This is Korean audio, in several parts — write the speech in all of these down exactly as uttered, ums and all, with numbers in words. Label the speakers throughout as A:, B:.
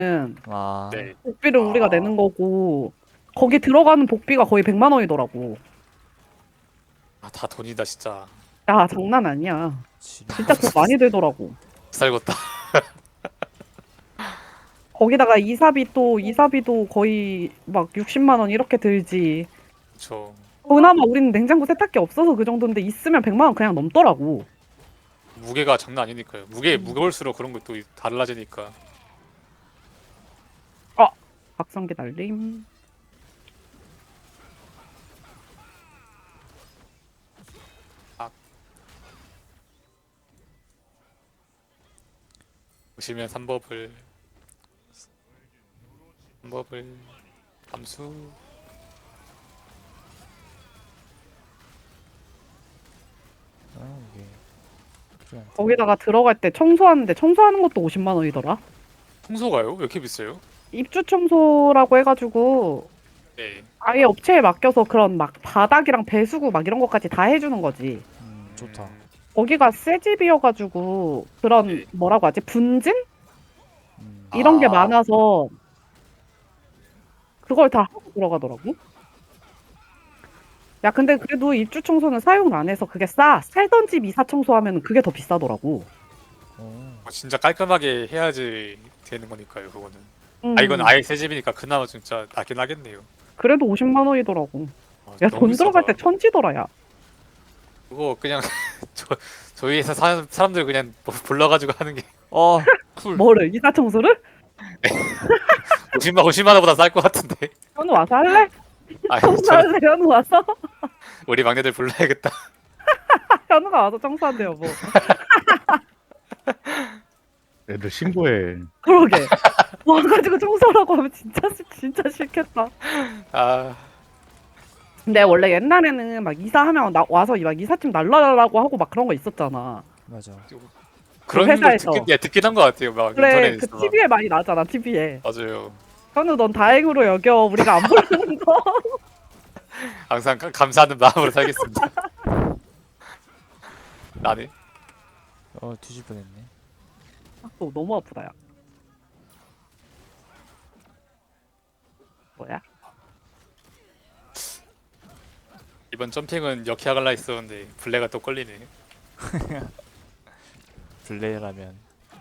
A: 아,
B: 네.
C: 복비를 우리가
B: 아.
C: 내는 거고 거기 들어가는 복비가 거의 백만 원이더라고.
B: 아, 다 돈이다 진짜.
C: 야, 장난 아니야.
A: 지금
C: 진짜 돈 많이 들더라고.
B: 살겠다.
C: 거기다가 이사비 또 이사비도 거의 막 육십만 원 이렇게 들지.
B: 저
C: 그나마 우리는 냉장고 세탁기 없어서 그 정도인데 있으면 백만 원 그냥 넘더라고.
B: 무게가 장난 아니니까요. 무게
C: 음.
B: 무거울수록 그런 것도 달라지니까.
C: 아, 박성기 날림.
B: 보시면 삼법을 삼법을 함수
A: 아, 이게 필요한데.
C: 거기다가 들어갈 때 청소하는데 청소하는 것도 오십만 원이더라.
B: 청소가요? 왜 이렇게 비싸요?
C: 입주 청소라고 해가지고
B: 네.
C: 아예 업체에 맡겨서 그런 막 바닥이랑 배수구 막 이런 것까지 다 해주는 거지.
A: 음, 좋다.
B: 음,
C: 거기가 새 집이어가지고 그런
B: 네.
C: 뭐라고 하지? 분진?
A: 음,
C: 이런 게
B: 아.
C: 많아서 그걸 다 하고 들어가더라고. 야, 근데 그래도 입주 청소는 사용 안 해서 그게 싸. 살던 집 이사 청소하면 그게 더 비싸더라고.
A: 어,
B: 어, 진짜 깔끔하게 해야지 되는 거니까요. 그거는.
C: 음,
B: 아 이건 아예 새 집이니까 그나마 진짜 낫긴 하겠네요.
C: 그래도 오십만 원이더라고.
B: 아,
C: 야,
B: 너무
C: 돈 들어갈
B: 비싸다.
C: 때 천지더라, 야.
B: 그거 그냥 저 저희 회사 사, 사람들 그냥 뭐 불러가지고 하는 게
A: 어, 쿨.
C: 뭐를? 이사 청소를?
B: 오십만 오십만 원보다 쌀 것 같은데.
C: 현우 와서 할래?
B: 아 저는
C: 청소할래? 현우 와서?
B: 우리 막내들 불러야겠다.
C: 현우가 와서 청소한대요, 뭐.
D: 애들 신고해.
C: 그러게. 와가지고 청소라고 하면 진짜, 싫- 진짜 싫겠다.
B: 아
C: 근데 원래 옛날에는 막 이사하면 나 와서 막 이삿짐 날라라고 하고 막 그런 거 있었잖아.
A: 맞아.
B: 그런 거
C: 회사에서.
B: 듣긴, 예, 듣긴 한 것 같아요. 막
C: 그래,
B: 인터넷에서
C: 그
B: 막.
C: 티비에 많이 나잖아, 티비에.
B: 맞아요.
C: 현우 넌 다행으로 여겨. 우리가 안 부르는 거.
B: 항상 가- 감사하는 마음으로 살겠습니다. 나네.
A: 어, 뒤질 뻔했네.
C: 또 너무 아프다, 야. 뭐야?
B: 이번 점핑은 역해하갈라 했었는데 블레가 또 걸리네.
A: 블레라면.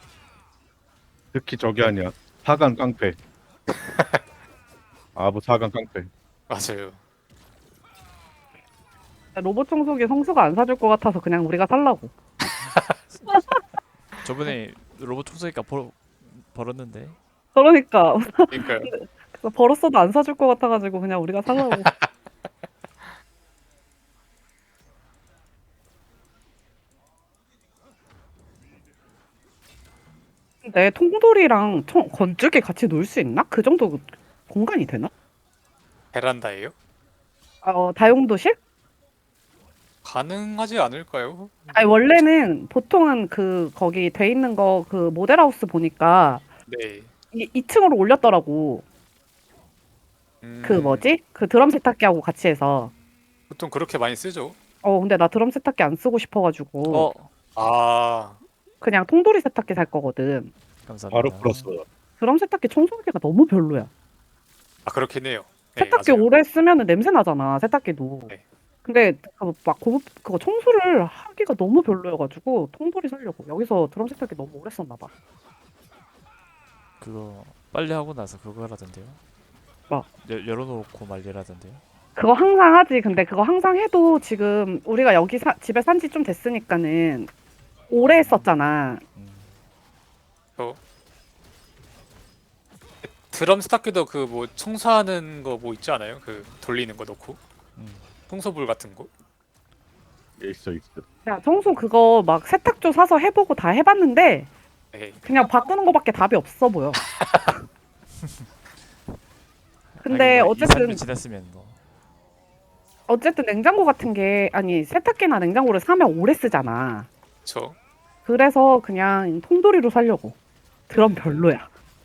D: 특히 저기 아니야. 사간 깡패. 아부 사간 깡패.
B: 맞아요.
C: 로봇 청소기 성수가 안 사줄 것 같아서 그냥 우리가 살라고.
A: 저번에 로봇 청소기가 벌 벌었는데.
C: 그러니까
B: 그러니까요.
C: 그래서 벌었어도 안 사줄 것 같아가지고 그냥 우리가 살라고. 근데 통돌이랑 청, 건조기 같이 놀 수 있나? 그 정도 공간이 되나?
B: 베란다예요?
C: 어, 다용도실?
B: 가능하지 않을까요?
C: 아니 원래는 보통은 그 거기 돼 있는 거 그 모델하우스 보니까
B: 네.
C: 이, 이 층으로 올렸더라고.
B: 음,
C: 그 뭐지? 그 드럼 세탁기하고 같이 해서.
B: 보통 그렇게 많이 쓰죠.
C: 어 근데 나 드럼 세탁기 안 쓰고 싶어가지고
A: 어,
B: 아,
C: 그냥 통돌이 세탁기 살 거거든.
A: 감사합니다.
D: 바로 풀었어.
C: 드럼 세탁기 청소기가 너무 별로야.
B: 아 그렇긴 해요. 네,
C: 세탁기
B: 맞아요.
C: 오래 쓰면은 냄새 나잖아, 세탁기도.
B: 네.
C: 근데 그 막 고급 그거 청소를 하기가 너무 별로여가지고 통돌이 살려고. 여기서 드럼 세탁기 너무 오래 썼나 봐.
A: 그거 빨리 하고 나서 그거 하라던데요.
C: 뭐?
A: 열, 열어놓고 말리라던데요.
C: 그거 항상 하지. 근데 그거 항상 해도 지금 우리가 여기 사, 집에 산지 좀 됐으니까는 오래 했었잖아.
A: 음,
B: 저 드럼 스타크도 그 뭐 청소하는 거 뭐 있지 않아요? 그 돌리는 거 넣고
A: 음.
B: 청소볼 같은 거.
D: 있어 있어.
C: 야, 청소 그거 막 세탁조 사서 해보고 다 해봤는데
B: 네.
C: 그냥 바꾸는 거밖에 답이 없어 보여. 근데
A: 하긴 뭐 이, 삼
C: 어쨌든
A: 년 지났으면 뭐.
C: 어쨌든 냉장고 같은 게 아니 세탁기나 냉장고를 사면 오래 쓰잖아.
B: 저
C: 그래서 그냥 통돌이로 살려고. 드럼 별로야.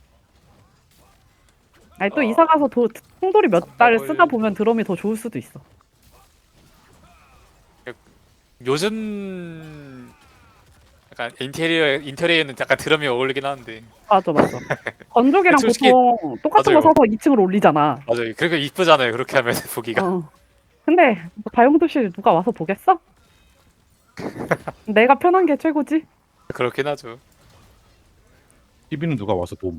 C: 아니 또
B: 어,
C: 이사 가서 도, 통돌이 몇 달
B: 삼 법을
C: 쓰다 보면 드럼이 더 좋을 수도 있어.
B: 요즘 약간 인테리어 인테리어는 약간 드럼이 어울리긴 하는데
C: 맞아 맞아. 건조기랑
B: 솔직히-
C: 보통 똑같은
B: 맞아요.
C: 거 사서 이 층으로 올리잖아.
B: 맞아요. 그리고 이쁘잖아요. 그렇게 하면 보기가.
C: 어. 근데 뭐 다용도실 누가 와서 보겠어? 내가 편한 게 최고지.
B: 그렇긴 하죠.
D: 티비는 누가 와서 봄.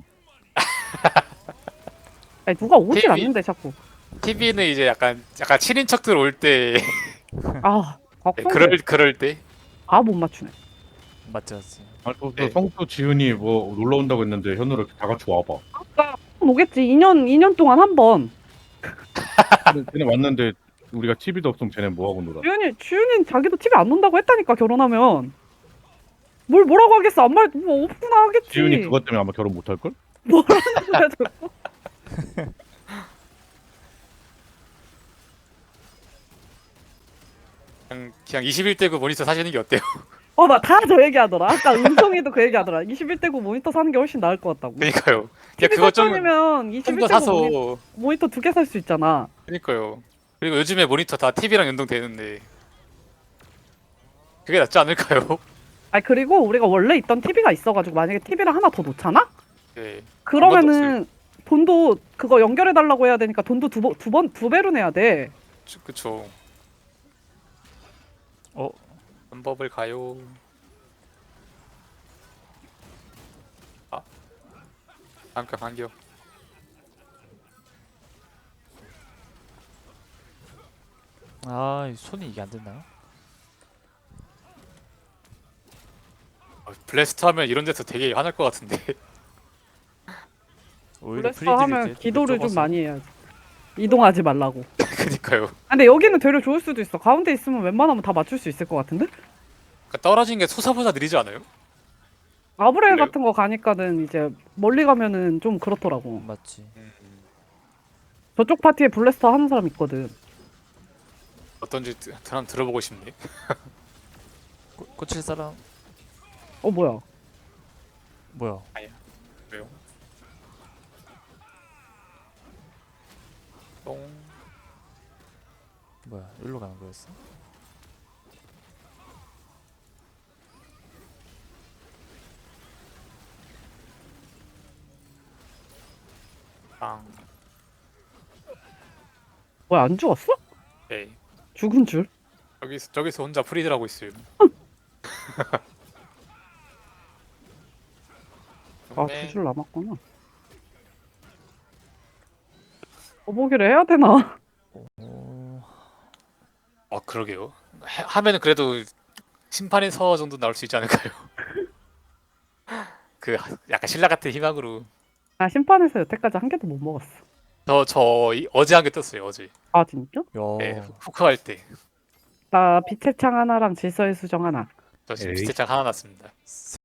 C: 아니, 누가 오질
B: 티비.
C: 않는데 자꾸.
B: 티비는 이제 약간 약간 친인척들 올 때
C: 아, 걱정.
B: 그럴 그럴 때
C: 아못 맞추네.
A: 맞지 맞지.
D: 아, 또, 또
B: 네.
D: 성도 지훈이 뭐 놀러 온다고 했는데 현우를 다 같이 와봐.
C: 아까 오겠지. 이 년 이 년 동안 한 번.
D: 쟤네, 쟤네 왔는데 우리가 티비도 없으면 쟤네 뭐 하고 놀아?
C: 주윤이 주윤이 자기도 티비 안 논다고 했다니까 결혼하면. 뭘 뭐라고 하겠어? 안 말 뭐 없구나 하겠지.
D: 지훈이 그것 때문에 아마 결혼 못 할 걸?
C: 뭐라는 거야 저거.
B: 그냥 그냥 이십일 대구 모니터 사시는 게 어때요?
C: 어, 나 다 저 얘기하더라. 아까 은성이도 그 얘기하더라. 이십일 대구 모니터 사는 게 훨씬 나을 것 같다고.
B: 그러니까요. 그냥
C: 티비
B: 그거 좀
C: 살돈이면
B: 좀
C: 이십일
B: 더
C: 대구
B: 사서
C: 모니, 모니터 두 개 살 수 있잖아.
B: 그러니까요. 그리고 요즘에 모니터 다 티비랑 연동되는데 그게 낫지 않을까요?
C: 아 그리고 우리가 원래 있던 티비가 있어가지고 만약에 티비를 하나 더 놓잖아?
B: 네.
C: 그러면은 돈도 그거 연결해 달라고 해야 되니까 돈도 두 번 두 번 두 배로 내야 돼.
B: 그- 그쵸.
A: 어
B: 방법을 가요. 아, 잠깐 반겨.
A: 아, 이 손이 이게 안 됐나요?
B: 아, 블래스트 하면 이런 데서 되게 화날 것 같은데.
A: 오히려
C: 그래서
A: 프리딜일
C: 하면
A: 때
C: 기도를 좀
A: 좁아서.
C: 많이 해야지. 이동하지 말라고.
B: 그니까요.
C: 아, 근데 여기는 되려 좋을 수도 있어. 가운데 있으면 웬만하면 다 맞출 수 있을 것 같은데?
B: 그러니까 떨어진 게 소사보다 느리지 않아요?
C: 아브렐
B: 그래요?
C: 같은 거 가니까는 이제 멀리 가면은 좀 그렇더라고.
A: 맞지.
C: 저쪽 파티에 블래스터 하는 사람 있거든.
B: 어떤지 드- 한번 들어보고 싶네.
A: 꼬, 꽂힐 사람
C: 어 뭐야?
A: 뭐야?
B: 왜요? 똥.
A: 뭐야? 일로 가는 거였어?
B: 빵.
C: 뭐야 안 죽었어?
B: 네.
C: 죽은 줄?
B: 저기서 저기서 혼자 프리들 하고 있어요.
C: 아
B: 네.
C: 두 줄 남았구나. 거보기를 해야 되나?
A: 오,
B: 아 그러게요. 해- 하면은 그래도 심판의 서 정도 나올 수 있지 않을까요? 그 약간 신라 같은 희망으로.
C: 아 심판에서 여태까지 한 개도 못 먹었어.
B: 저저 어제 한 개 떴어요 어제.
C: 아 진짜?
A: 야.
B: 네, 후크 할 때.
C: 나 빛의 창 하나랑 질서의 수정 하나.
B: 저 지금
D: 에이.
B: 비트장 하나 났습니다.